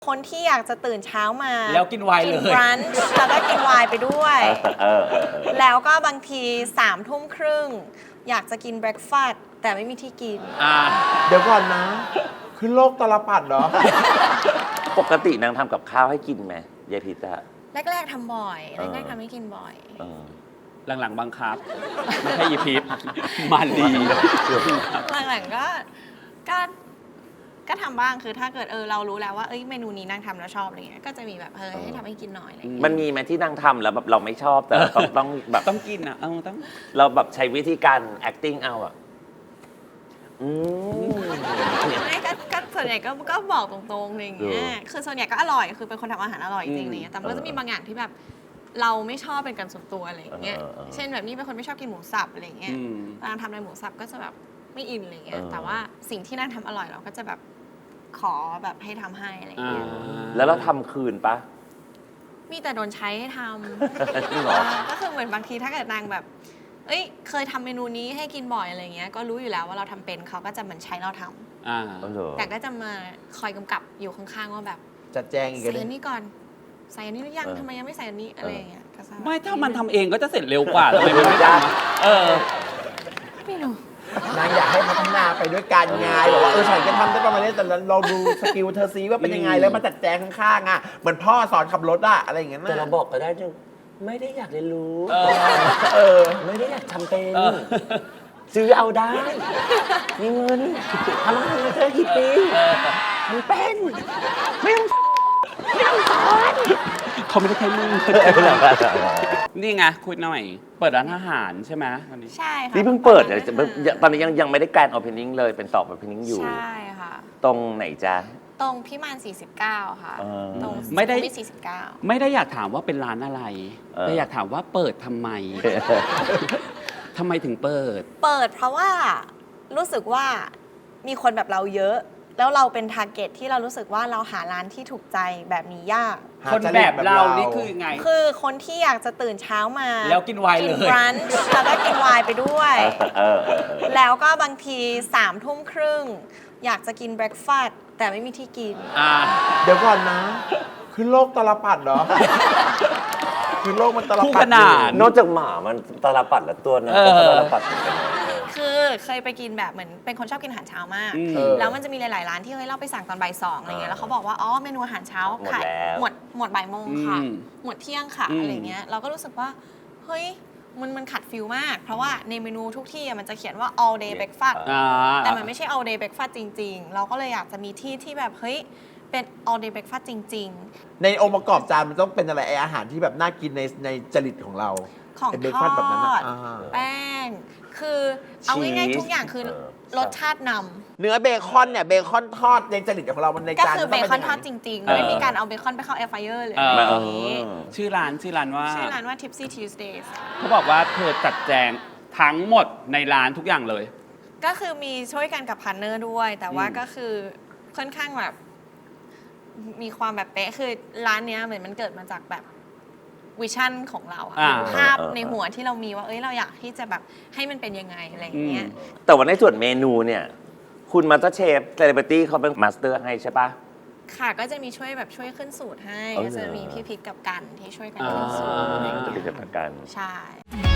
คนที่อยากจะตื่นเช้ามาแล้วกินไวน์เลยกินบรันช์แล้วก็กินไวน์ไปด้วยแล้วก็บางที3 ทุ่มครึ่งอยากจะกินเบรคฟาสต์แต่ไม่มีที่กินเดี๋ยวก่อนนะขึ้นโลกตลปัดเหรอปกตินางทำกับข้าวให้กินไหมยายพิษอะแรกๆทำบ่อยแรกๆทำให้กินบ่อยหลังๆบังคับไม่ใช่ยีพิษมันดีหลังๆก็ทำบ้างคือถ้าเกิดเรารู้แล้วว่าเมนูนี้นางทำแล้วชอบอะไรเงี้ยก็จะมีแบบให้ทำให้กินหน่อยอะไรเงี้ยมันมีไหมที่นางทำแล้วแบบเราไม่ชอบแต่ต้องแบบต้องกินอ่ะต้องเราแบบใช้วิธีการ acting เอาอ่ะไม่ก็ส่วนใหญ่ก็บอกตรงๆอะไรอย่างเงี้ยคือส่วนใหญ่ก็อร่อยคือเป็นคนทำอาหารอร่อยจริงๆอะไรเงี้ยแต่มันก็จะมีบางอย่างที่แบบเราไม่ชอบเป็นการส่วนตัวอะไรอย่างเงี้ยเช่นแบบนี้เป็นคนไม่ชอบกินหมูสับอะไรเงี้ยนางทำอะไรหมูสับก็จะแบบไม่อินอะไรเงี้ยแต่ว่าสิ่งที่นางทำอร่อยเราก็จะแบบขอแบบให้ทำให้อะไรอย่างเงี้ยแล้วเราทำคืนปะมีแต่โดนใช้ให้ทำก็คือเหมือนบางทีถ้าเกิดนางแบบเคยทำเมนูนี้ให้กินบ่อยอะไรเงี้ยก็รู้อยู่แล้วว่าเราทำเป็นเขาก็จะเหมือนใช้เราทำแต่ก็จะมาคอยกำกับอยู่ข้างๆว่าแบบจัดแจงอีกใส่อันนี้ก่อนใส่อันนี้หรือยังทำไมยังไม่ใส่อันนี้อะไรอย่างเงี้ยไม่ถ้ามันทำเองก็จะเสร็จเร็วกว่าทำไมมันไม่ทำไม่รู้นางอยากให้พัฒนาไปด้วยกันไงบอกว่าฉันจะทำได้ประมาณนี้แต่เราดูสกิลเธอซีว่าเป็นยังไงแล้วมาจัดแจงข้างๆอ่ะเหมือนพ่อสอนขับรถอะอะไรอย่างเงี้ยแต่เราบอกก็ได้จังไม่ได้อยากเรียนรู้ไม่ได้อยากทำเป็นซื้อเอาได้มีเงินทำมาเธอกี่ปีทำเป็นไม่ต้องสอนเขาไม่ได้ใช้มือนี่ไงคุยหน่อยเปิดร้านอาหารใช่ไหมตอนนี้ใช่ค่ะนี่เพิ่งเปิดตอนนี้ยังไม่ได้การโอเพนนิ่งเลยเป็นสอบโอเพนนิ่งอยู่ใช่ค่ะตรงไหนจ๊ะตรงพิมาน49ค่ะตรงไม่ได้ 49 ไม่ได้อยากถามว่าเป็นร้านอะไรแต่อยากถามว่าเปิดทำไมทำไมถึงเปิดเพราะว่ารู้สึกว่ามีคนแบบเราเยอะแล้วเราเป็นทาร์เก็ตที่เรารู้สึกว่าเราหาร้านที่ถูกใจแบบนี้ยากคนแบบเรานี่คือไงคือคนที่อยากจะตื่นเช้ามาแล้วกินไวน์เลยกินบรันช์แล้วก็กินไวน์ไปด้วยแล้วก็บางที3 ทุ่มครึ่งอยากจะกินเบรคฟาสต์แต่ไม่มีที่กินเดี๋ยวก่อนนะขึ้นโลกตลปัดเหรอคือโลกมันตลปัดขนาดนอกจากหมามันตลปัดละตัวนะตลปัดคือเคยไปกินแบบเหมือนเป็นคนชอบกินอาหารเช้ามากแล้วมันจะมีหลายๆร้านที่เราไปสั่งตอนบ่าย 2อะไรเงี้ยแล้วเขาบอกว่าเมนูอาหารเช้าขายหมดบ่ายโมงค่ะหมดเที่ยงค่ะอะไรเงี้ยเราก็รู้สึกว่าเฮ้ยมันขัดฟิลมากเพราะว่าในเมนูทุกที่มันจะเขียนว่า all day breakfast แต่มันไม่ใช่ all day breakfast จริงๆเราก็เลยอยากจะมีที่แบบเฮ้ยเป็น all day breakfast จริงๆในองค์ประกอบจานมันต้องเป็นอะไรอาหารที่แบบน่ากินในจริตของเราของทอดแป้งคือเอาง่ายๆทุกอย่างคือรสชาตินำเนื้อเบคอนเนี่ยเบคอนทอดในจริตของเรามันในจานก็คือเบคอนทอดจริงๆไม่มีการเอาเบคอนไปเข้าแอร์ไฟเออร์เลยชื่อร้านว่า Tipsy Tuesdays เขาบอกว่าเธอจัดแจงทั้งหมดในร้านทุกอย่างเลยก็คือมีช่วยกันกับพาร์ทเนอร์ด้วยแต่ว่าก็คือค่อนข้างแบบมีความแบบเป๊ะคือร้านเนี้ยเหมือนมันเกิดมาจากแบบวิชั่นของเราภาพในหัวที่เรามีว่าเราอยากที่จะแบบให้มันเป็นยังไงอะไรอย่างเงี้ยแต่ว่าในส่วนเมนูเนี่ยคุณมาสเตอร์เชฟเซเลบริตี้เขาเป็นมาสเตอร์ให้ใช่ปะค่ะก็จะมีช่วยขึ้นสูตรให้ก็จะมีพี่พิษกับกันที่ช่วยกันขึ้นสูตรจะเป็นกับกันใช่